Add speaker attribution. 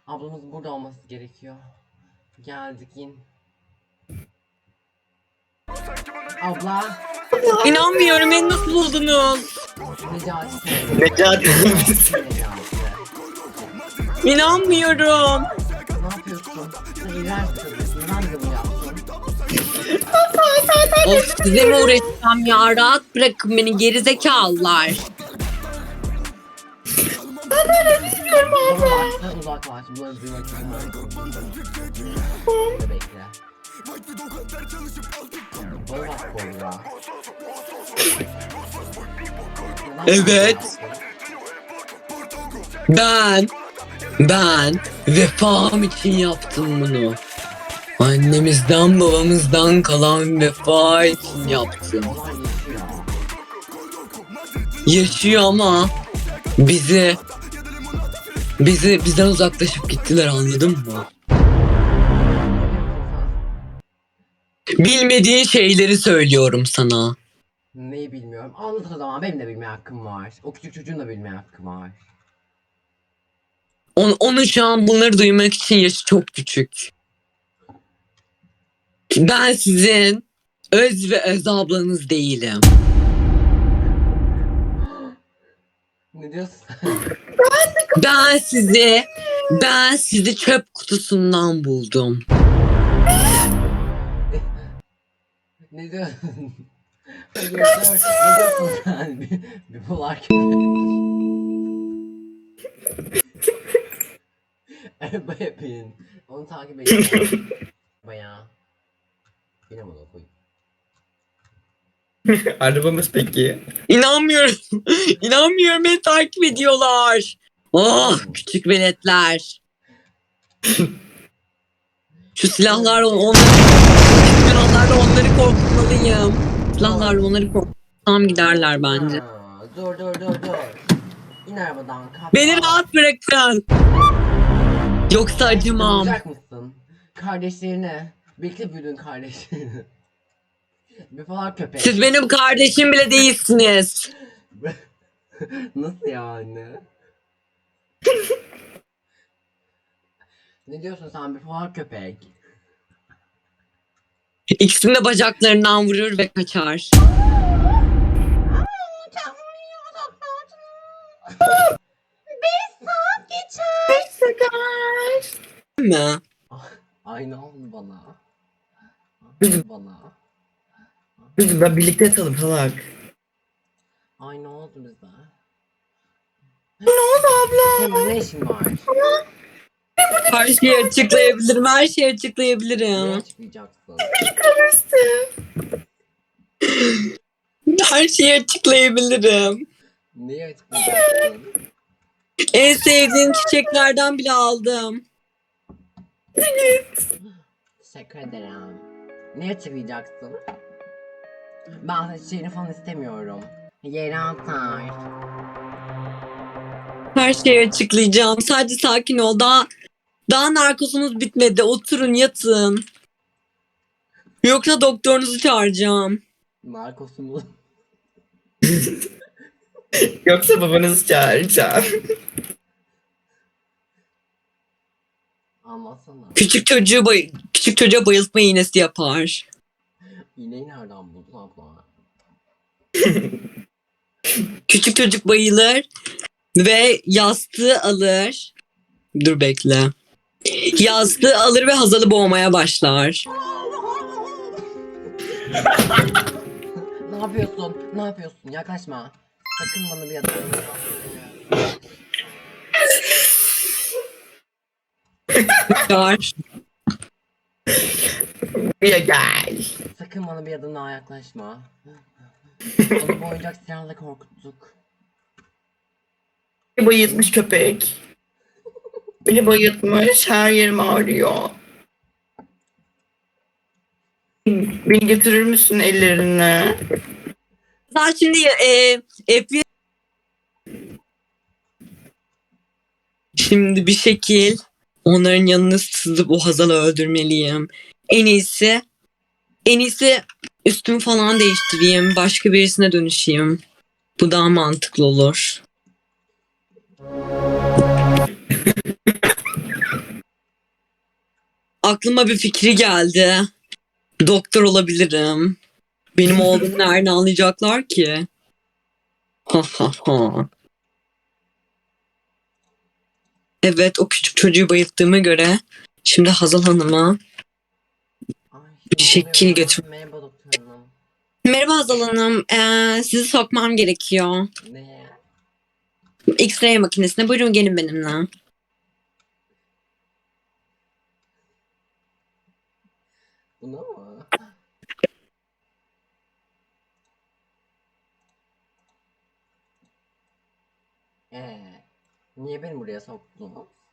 Speaker 1: Ablamız burada olması gerekiyor. Geldik in. Abla.
Speaker 2: İnanmıyorum, beni nasıl buldunuz?
Speaker 1: Necati.
Speaker 3: Necati.
Speaker 2: İnanmıyorum.
Speaker 1: Ne yapıyorsun? Sen iğrenç çocuksun. Ben de bunu yaptım.
Speaker 2: Of, size mi uğraşacağım ya? Rahat bırakın beni gerizekalılar.
Speaker 1: Uzaklaş, uzaklaş. Bunları duymak istemiyorum. Bekle. Bana bak Kobra.
Speaker 2: Evet. Ben vefam için yaptım bunu. Annemizden babamızdan kalan vefa için yaptım.
Speaker 1: Olay yaşıyor.
Speaker 2: Yaşıyor ama bizden uzaklaşıp gittiler, anladın mı? Bilmediğin şeyleri söylüyorum sana.
Speaker 1: Neyi bilmiyorum. Anlat o zaman. Benim de bilmeye hakkım var. O küçük çocuğun da bilmeye hakkı var.
Speaker 2: Onun şu an bunları duymak için yaşı çok küçük. Ben sizin öz ve öz ablanız değilim.
Speaker 1: Ne diyorsun?
Speaker 2: Ben sizi çöp kutusundan buldum.
Speaker 1: Ne diyorsun? Hayır, ne diyorsun sen? Bir polar Arabaya bin. Onu takip edin. Bayağı. Yine bunu koy.
Speaker 3: Arabamız peki.
Speaker 2: İnanmıyorum. İnanmıyorum, beni takip ediyorlar. Oh, küçük veletler. Şu silahlarla onları korkutmalıyım. Silahlarla onları korkutsam giderler bence.
Speaker 1: Ha, dur. İn arabadan. Kalk.
Speaker 2: Beni rahat bırakın. Yoksa acımam.
Speaker 1: Olacak mısın? Kardeşlerine. Birlikte büyüdün kardeşlerini. Bir falan köpek.
Speaker 2: Siz benim kardeşim bile değilsiniz.
Speaker 1: Nasıl yani? Ne diyorsun sen bir falan köpek?
Speaker 2: İkisini de bacaklarından vurur ve kaçar. Mi?
Speaker 1: Aynı oldu bana. Bana.
Speaker 3: Ben birlikte yatalım salak.
Speaker 1: Aynı oldu bize.
Speaker 3: Ne oldu abla?
Speaker 1: Senin ne işin var?
Speaker 2: Her şeyi açıklayabilirim. Her şeyi
Speaker 1: Ne
Speaker 2: açıklayabilirim.
Speaker 1: açıklayacaksın?
Speaker 2: Her şeyi açıklayabilirim.
Speaker 1: Neyi açıklayacaksın?
Speaker 2: En sevdiğin çiçeklerden bile aldım.
Speaker 1: Teşekkür ederim. Ne açıklayacaksın? Ben çiçeğini falan istemiyorum. Yere atar.
Speaker 2: Her şeyi açıklayacağım. Sadece sakin ol. Daha narkozunuz bitmedi. Oturun, yatın. Yoksa doktorunuzu çağıracağım.
Speaker 1: Narkosumu.
Speaker 3: Yoksa babanızı çağıracağım.
Speaker 1: Anlatsana.
Speaker 2: Küçük çocuğa bayıltma iğnesi yapar.
Speaker 1: İğneyi nereden buldun abla?
Speaker 2: Küçük çocuk bayılır ve yastığı alır. Dur bekle. Yastığı alır ve Hazal'ı boğmaya başlar.
Speaker 1: Ne yapıyorsun? Ne yapıyorsun? Yaklaşma. Sakın bana bir adım.
Speaker 2: Kaçar.
Speaker 3: Buraya gel.
Speaker 1: Sakın bana bir adım daha yaklaşma. Onu bu oyuncak silahla korkuttuk.
Speaker 3: Beni bayıltmış köpek. Beni bayıltmış. Her yerim ağrıyor. Beni götürür müsün ellerine?
Speaker 2: Sen şimdi şimdi bir şekil onların yanına sızıp o Hazal'ı öldürmeliyim. En iyisi üstümü falan değiştireyim. Başka birisine dönüşeyim. Bu daha mantıklı olur. aklıma bir fikri geldi. Doktor olabilirim. Benim olduğumu nereden anlayacaklar ki? Ha ha ha. Evet, o küçük çocuğu bayılttığıma göre şimdi Hazal Hanım'a
Speaker 1: Ay,
Speaker 2: bir şekil götür.
Speaker 1: Merhaba doktor hanım.
Speaker 2: Merhaba Hazal Hanım. Sizi sokmam gerekiyor.
Speaker 1: Ne?
Speaker 2: X-ray makinesine. Buyurun gelin benimle.
Speaker 1: Buna mı? Niye beni buraya soktunuz?